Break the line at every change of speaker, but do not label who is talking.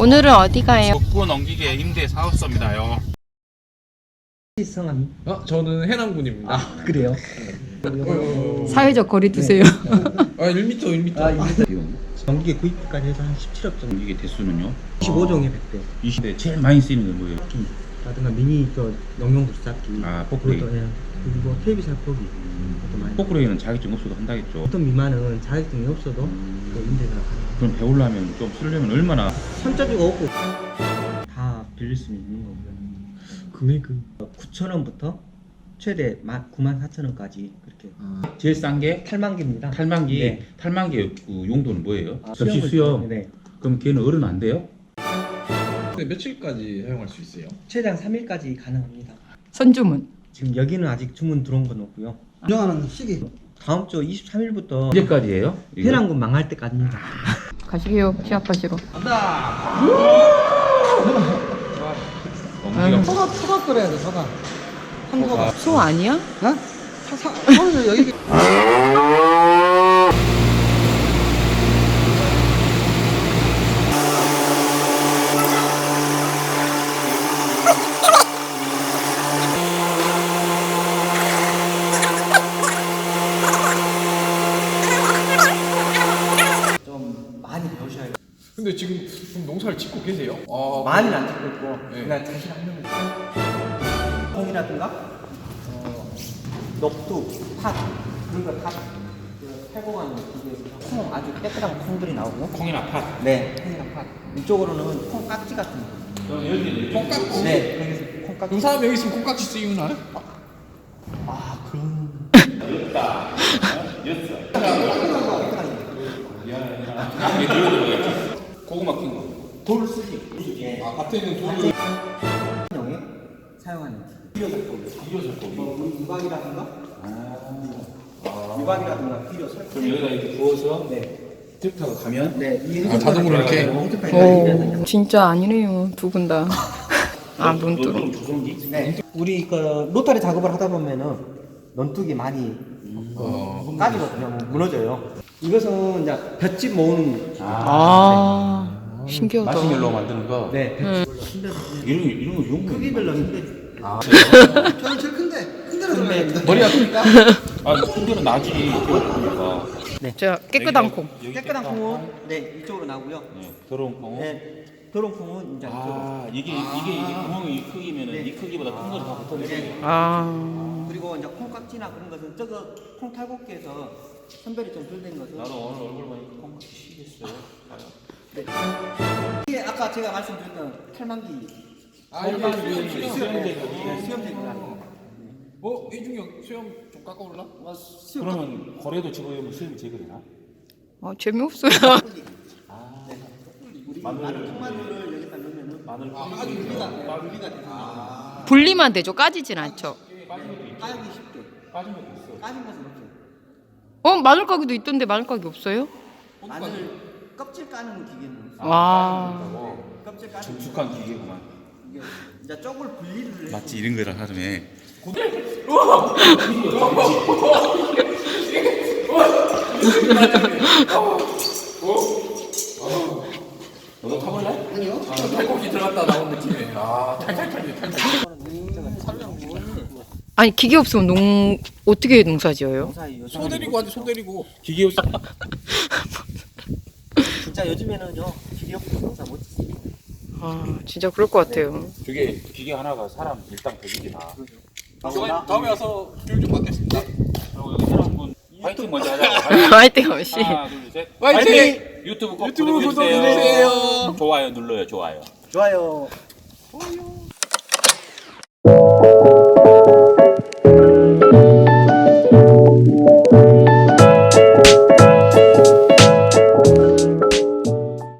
오늘은 어디 가요?
구워 넘기게 임대 사업소입니다요.
성함이?
저는 해남군입니다.
그래요?
사회적 거리 두세요.
1m.
전기계 구입까지 해서 한 17억 정도.
이게 대수는요?
25종에 100대.
20대 제일 많이 쓰이는 게 뭐예요?
라든가 미니 영영도 쌓기.
아, 포크레인.
그것도, 예. 그리고 테이블 살포기. 그것도 많이.
포크레인은 자격증 없어도 한다겠죠.
보통 미만은 자격증이 없어도 그 임대가 가능해요.
그럼 배우려면 좀 쓰려면 얼마나?
선짜주가 없고 다 빌릴 수 있는 거고요. 금액은 9,000원부터 최대 94,000원까지 그렇게.
제일 싼 게
탈만기입니다.
탈만기.
네.
탈만기 그 용도는 뭐예요? 접시
수영을
수영.
네.
그럼 걔는 어른 안 돼요?
근데 며칠까지 사용할 수 있어요?
최대한 3일까지 가능합니다.
선주문.
지금 여기는 아직 주문 들어온 건 없고요.
운영하는 시기
다음 주 23일부터
언제까지예요? 이거?
해남군 망할 때까지입니다.
가시게요. 취업하시러.
넘기가
소가 끓여야 돼 소가 한소가
소 아니야?
소는 여기
좀 많이 배우셔야 돼요.
근데 지금 좀 농사를 짓고 계세요?
많이는 안 찍고 있고
네.
그냥 자신 한 명이 콩이라든가 녹두, 팥 그런 걸 다 해공하는 기계에서 콩 아주 깨끗한 콩들이 나오고
콩이나 팥.
네 콩이랑 팥 이쪽으로는 콩깍지 같은 거
콩깍지?
네 거기서 콩깍지
그럼 사람 여기 있으면 콩깍지 쓰이나요?
아 그런
고구마 킨 거.
돌 쓰기
밭에 있는 돌을
형에 사용하는 비료설법 우리 유박이라든가 유박이라든가 비료 설법
그럼 여기다 이렇게 부어서
네.
트랙터가 가면
네,
자동으로 이렇게
오, 진짜 아니네요. 두 분 다. 아, 문뚜루.
좀 조성기?
네. 우리 그 로타리 작업을 하다 보면은 넌뚝이 많이 까지거든요. 무너져요. 이것은 이제 볏짚 모으는
아, 신기하다.
마시멜로 만드는 거.
네.
이런 거 용도.
크기별로 힘들지.
저는 제일 큰 데로 들어가야
머리가 크니까? 아, 큰 데는 나지. 그러니까.
자, 깨끗한 콩.
깨끗한 콩은 네 이쪽으로 나오고요.
더러운 콩.
네. 더러운 콩은 이제 이쪽으로.
아, 이게 구멍이 이 크기면은 이 크기보다 큰 거를 다 붙어내야 돼.
아,
그리고 이제 콩깍지나 그런 것은 저거 콩 탈곡기에서 선별이 좀 덜 된 것은
나도 오늘 얼굴 보니까 콩깍지 시겠어요.
네. 이게 아까 제가 말씀드렸던 탈만기
이게
수염제구나.
이중경 수염 좀 깎아올라?
그러면 거래도 집어넣으면 수입이 제거되나?
재미없어요.
우리 마늘 통마늘을 여기다 넣으면은
마늘
아주 유리가 돼요.
분리만 되죠. 까지진 않죠.
까기 쉽게.
빠진 것도 있어.
까진 것은 없어요.
마늘 가게도 있던데 마늘 가게 없어요?
마늘 껍질 까는 기계는 없어요.
와.
껍질 까는
정숙한 기계구만.
이게 이제 쪽을 분리를 해서
맞지, 이런 거를 하루에. 너도 타볼래?
아니요
탈곡기 들어갔다 나온 느낌이에요. 탈탈탈.
아니, 기계 없으면 어떻게 농사 지어요?
농사에 요즘
손 데리고 하지 손 데리고.
기계 없어.
진짜 요즘에는요 기계 없이 농사 못 짓습니다.
아, 진짜 그럴 것 같아요.
저게 기계 하나가 사람 일당 100이나.
다음에 와서 교육 좀 받겠습니다.
그리고 여기 사람분 파이팅 먼저 하자.
화이팅 없이.
하나, 둘, 셋.
화이팅!
유튜브 꼭
유튜브
구독해주세요.
구독해주세요.
좋아요 눌러요, 좋아요.
좋아요.